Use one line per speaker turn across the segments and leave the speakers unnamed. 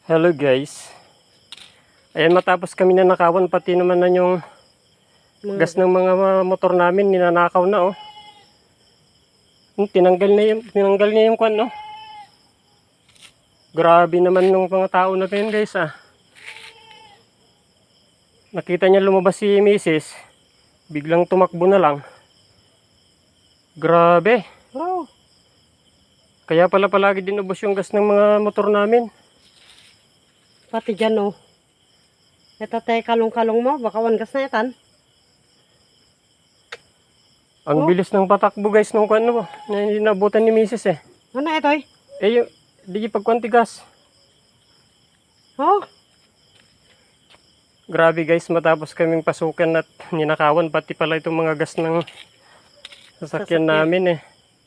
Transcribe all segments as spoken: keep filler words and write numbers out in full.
Hello guys. Ayan, matapos kami nanakawan, pati naman na yung gas ng mga motor namin, ninanakaw na oh. Hmm, tinanggal na yung, tinanggal niya yung kwan no. Grabe naman ng mga tao na yun guys ah. Nakita niya lumabas si misis, biglang tumakbo na lang. Grabe.
Oh,
Kaya pala palagi din ubos yung gas ng mga motor namin.
pati dyan oh. Natatay kalong-kalong mo, baka wangas na yatan.
Ang
Oh.
bilis ng patakbo guys nung kwan no, na hindi nabutan ni misis eh.
Ano ito eh?
Eh yung, di pagkwantigas.
Oh,
Grabe guys, matapos kaming pasukan at ninakawan, pati pala itong mga gas ng sasakyan
Sasakyan.
namin eh.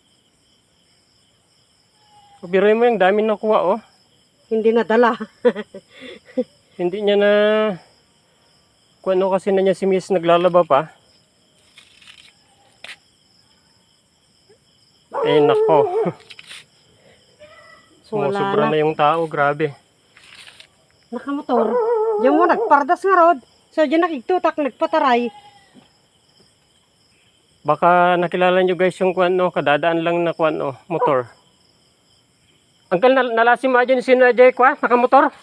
Biruin mo yung dami nakuha oh.
hindi nadala.
Hindi niya na kung ano kasi na niya si miss naglalaba pa. Eh nako. Sumusobra
Wala
na yung tao, grabe.
Nakamotor. Diyan mo nagpardas nga rod. So diyan nakigtutak, nagpataray.
Baka nakilala nyo guys yung kwan no, kadadaan lang na kwan no, motor. Angkal, nal nalasim mo dyan sino Ajay kwa, nakamotor?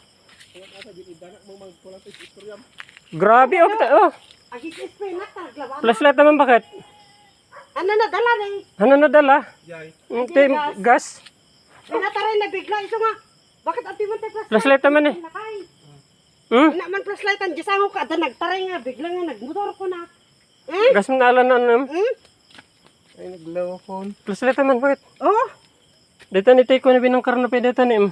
Grabe oh, kita- oh.
Agis spray na taglaban.
Flashlight naman bakit?
Ano nadala rin?
Ano nadala? Hindi, gas.
Pinataray na bigla. Iso nga. Bakit ang timan tayo flashlight?
Flashlight naman eh.
Nakay.
Hmm?
Ina man flashlight ang disango ka. Ada nagtaray nga. Bigla nga nagmotor ko na. Eh?
Gas mo naalan na ano.
Hmm?
Ay, naglaw phone.
Flashlight naman bakit?
Oh.
Dito ni take ko na binangkar na pwede ito ni.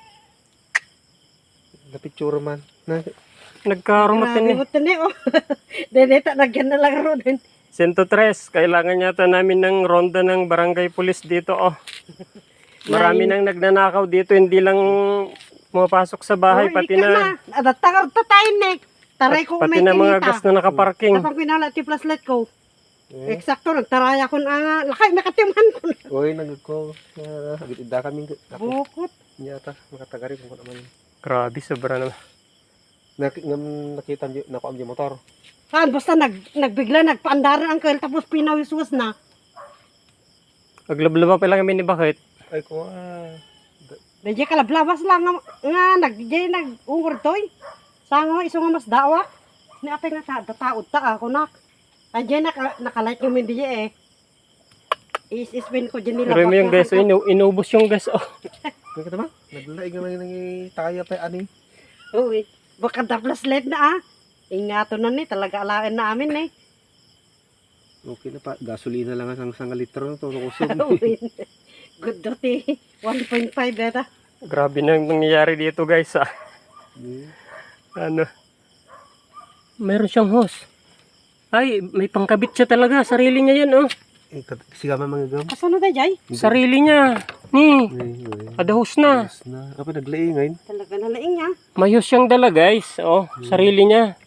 Na picture man. Na,
Nagkarumatin eh.
Grabe mo tani oh. Deneta nagyan na lang ron.
one oh three, kailangan yata namin ng ronda ng barangay police dito oh. Marami nang nagnanakaw dito, hindi lang pumapasok sa bahay, pati na,
Adatangar ta tayo nek. Taray ko
pati
may
na mga
kinita.
gas na nakaparking.
Tapang pinala ti flashlight ko.
eh.
Eksakto nagtaraya ko na lakay nakatiman ko.
Uy, nagko. Na, agit ida kami. Ako,
Bukot.
niyata, makatagari kung naman.
Grabe, sobra naman.
Nak, ngam, nakita niyo, naku ang motor.
Han basta nag nagbigla nagpaandaran ang kail tapos pinawiswas na.
Aglablaba pa lang kami ni Bakit.
Ay, ko ah.
Medyo kalablabas lang nga, nga nagjay nag-ungor toy. Sango iso nga mas dawa. Ni apay nga ta dataod ta ako nak. Andiyan naka nakalight yung hindi eh. Is-ispin ko dyan nila.
Pero mo yung gas, oh, inu inubos yung gas oh.
Kaya kita ba? Naglaig naman yung taya pa ani.
Uy, baka da flashlight na ah. Ingato na ni, talaga alain na amin eh.
Okay na pa, gasolina lang ang isang litro na to. Nakusog.
Uy, good duty. one point five beta.
Grabe na yung nangyayari dito guys ah.
Hmm.
Ano? Meron siyang hose. Ay, may pangkabit siya talaga, sarili niya yan oh.
Eh, kat- siga man mga gam.
Kasano da jay?
Sarili niya. Ni,
Ay, ay.
ada hose na.
Ayos na. Apa naglaing ngayon?
Talaga na laing niya.
May hose siyang dala guys. Oh, sarili niya.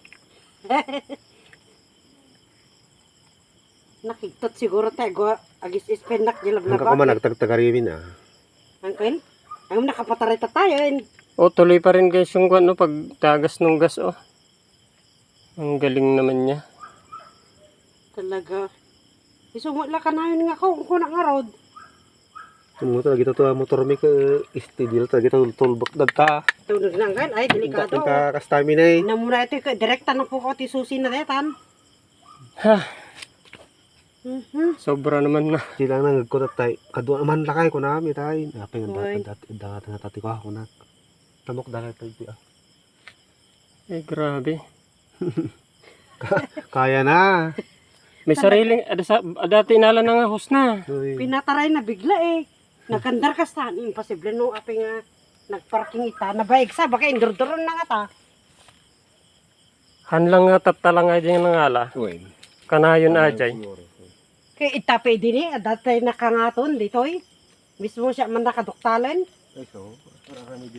Nakiktot siguro tayo. Go, agis ispenak
Hanggang
jilab
ko man
na
nagtagtagarimin ah.
Uncle, ang nakapataray ta tayo eh.
Oh, tuloy pa rin guys yung ano, pagtagas ng gas oh. Ang galing naman niya.
Talaga. Isungot lang ka na yun nga ko. Kung na nga road.
Mo talaga ito to motor mi ka istidil talaga ito tulbak dagta.
Tunog na nga. Ay, delikado.
Ka ka-stamina eh.
Namura ito. Direkta na po ko ti susi na detan.
Ha,
Mhm.
sobra naman na.
Silang nang nagkutat tay. Kadua naman lakay ko na mi tay. Apay nga
Uy.
dati dati nga tati ko ako na. Tamok dala tay ah.
Eh, grabe.
Kaya na.
May sariling, ada sa, dati inala na nga hose na.
Uy.
Pinataray na bigla eh. Nagkandar ka sa imposible no. Api nga nagparking ita. Nabaig sa. Baka indurduron na nga ta.
Hanlang nga tatala nga din ng ala.
Uy.
Kanayon ajay.
Kaya itape din eh. Dati nakangaton dito eh. Mismo siya man nakaduktalan.
Ay so.